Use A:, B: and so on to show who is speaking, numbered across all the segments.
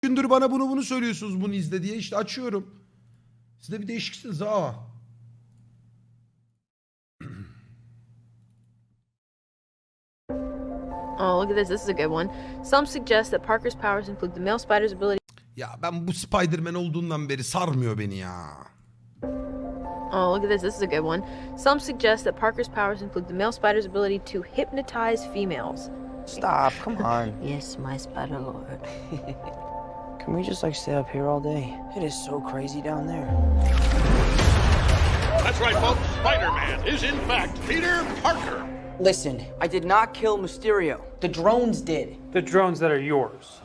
A: gündür bana bunu söylüyorsunuz, bunu izle diye. İşte açıyorum. Siz de bir değişiksiniz ha.
B: Oh, look at this. This is a good one. Some suggest that Parker's powers include the male spider's ability.
A: Ya ben bu Spider-Man olduğundan beri sarmıyor beni ya.
B: Oh, look at this. This is a good one. Some suggest that Parker's powers include the male spider's ability to hypnotize females.
C: Stop, come on.
D: Yes, my spider lord.
C: Can we just stay up here all day? It is so crazy down there.
E: That's right, folks. Spider-Man is in fact Peter Parker.
F: Listen, I did not kill Mysterio. The drones did.
G: The drones that are yours.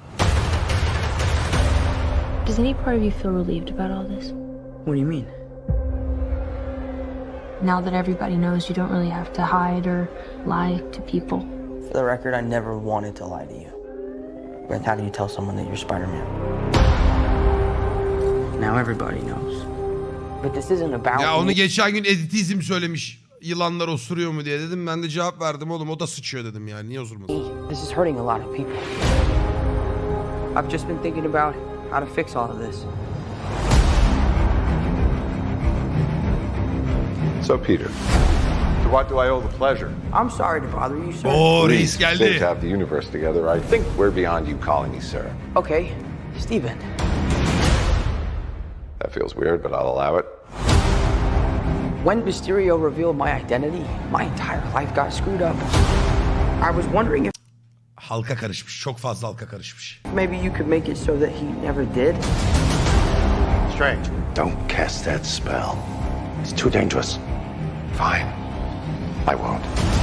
D: Does any part of you feel relieved about all this?
F: What do you mean?
D: Now that everybody knows, you don't really have to hide or lie to people.
C: For the record, I never wanted to lie to you. But how do you tell someone that you're Spider-Man?
F: Now everybody knows. But this isn't about
A: Ya onu
F: me.
A: geçen gün editizm söylemiş. Yılanlar osuruyor mu diye dedim. Ben de cevap verdim oğlum, o da sıçıyor dedim yani. Niye osurmasın?
F: This is hurting a lot of people. I've just been thinking about how to fix all of this.
H: So, Peter, to what do I owe the pleasure?
F: I'm sorry to bother you, sir.
A: Oo reis
H: Great
A: geldi.
H: to have the universe together. I think we're beyond you calling me sir.
F: Okay, Steven.
H: That feels weird, but I'll allow it.
F: When Mysterio revealed my identity, my entire life got screwed up. I was wondering if
A: Halka karışmış. Çok fazla halka karışmış.
F: maybe you could make it so that he never did.
H: Strange. Don't cast that spell. It's too dangerous. Fine. I won't.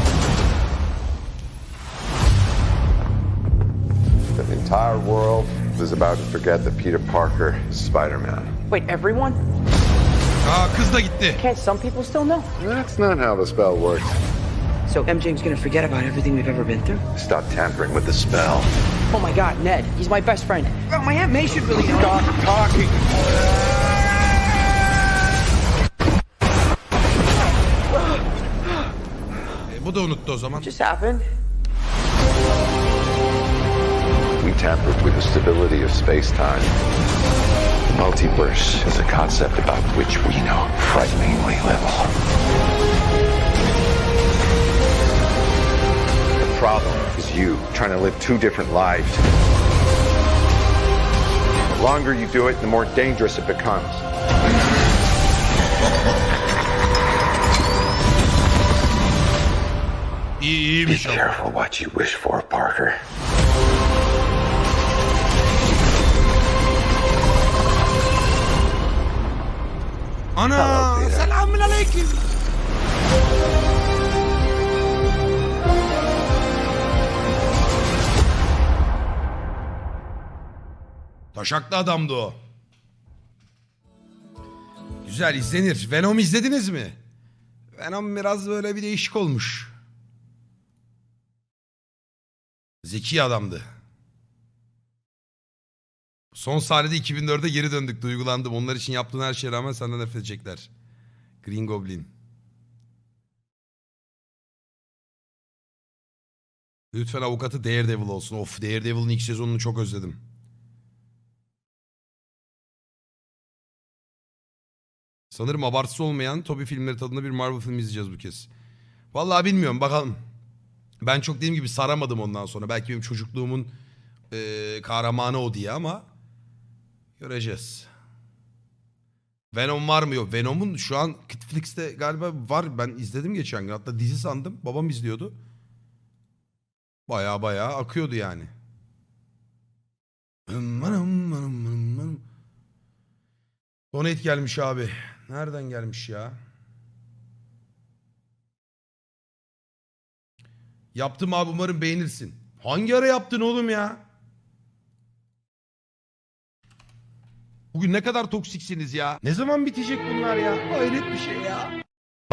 H: The entire world is about to forget that Peter Parker is Spider-Man.
F: Wait, everyone?
A: Aa kız da gitti.
F: Can't some people still know?
H: That's not how the spell works.
F: So MJ's gonna forget about everything we've ever been through?
H: Stop tampering with the spell.
F: Oh my god, Ned, he's my best friend. Oh, my Aunt May should really know.
H: Stop talking.
A: Bu da unuttu o zaman.
F: Just happened.
H: We tampered with the stability of space-time. The multiverse is a concept about which we know frighteningly little. The problem is you trying to live two different lives. The longer you do it, the more dangerous it becomes.
A: İyi,
H: Be
A: iyiymiş ama.
H: careful what you wish for, Parker.
A: Ana! Selamun aleyküm. Taşaklı adamdı o. Güzel, izlenir. Venom izlediniz mi? Venom biraz böyle bir değişik olmuş. Zeki adamdı. Son sahnede 2004'e geri döndük. Duygulandım. Onlar için yaptığın her şeye rağmen senden nefret edecekler. Green Goblin. Lütfen avukatı Daredevil olsun. Of, Daredevil'ın ilk sezonunu çok özledim. Sanırım abartısı olmayan Tobey filmleri tadında bir Marvel filmi izleyeceğiz bu kez. Vallahi bilmiyorum, bakalım. Ben çok dediğim gibi saramadım ondan sonra. Belki benim çocukluğumun kahramanı o diye ama göreceğiz. Venom var mı? Yok. Venom'un şu an Netflix'te galiba var. Ben izledim geçen gün. Hatta dizi sandım. Babam izliyordu. Baya baya akıyordu yani. Donate gelmiş abi. Nereden gelmiş ya? Yaptım abi, umarım beğenirsin. Hangi ara yaptın oğlum ya? Bugün ne kadar toksiksiniz ya? Ne zaman bitecek bunlar ya? Hayret bir şey ya.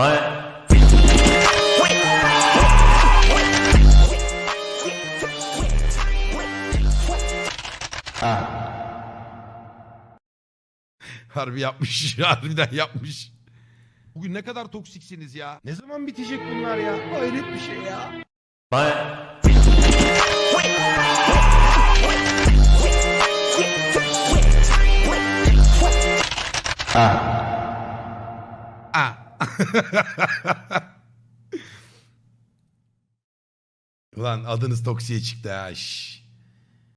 A: Harbi yapmış. Harbiden yapmış. Bugün ne kadar toksiksiniz ya? Ne zaman bitecek bunlar ya? Hayret bir şey ya.
I: Bye.
A: Ulan adınız Toksi'ye çıktı ha. Şş.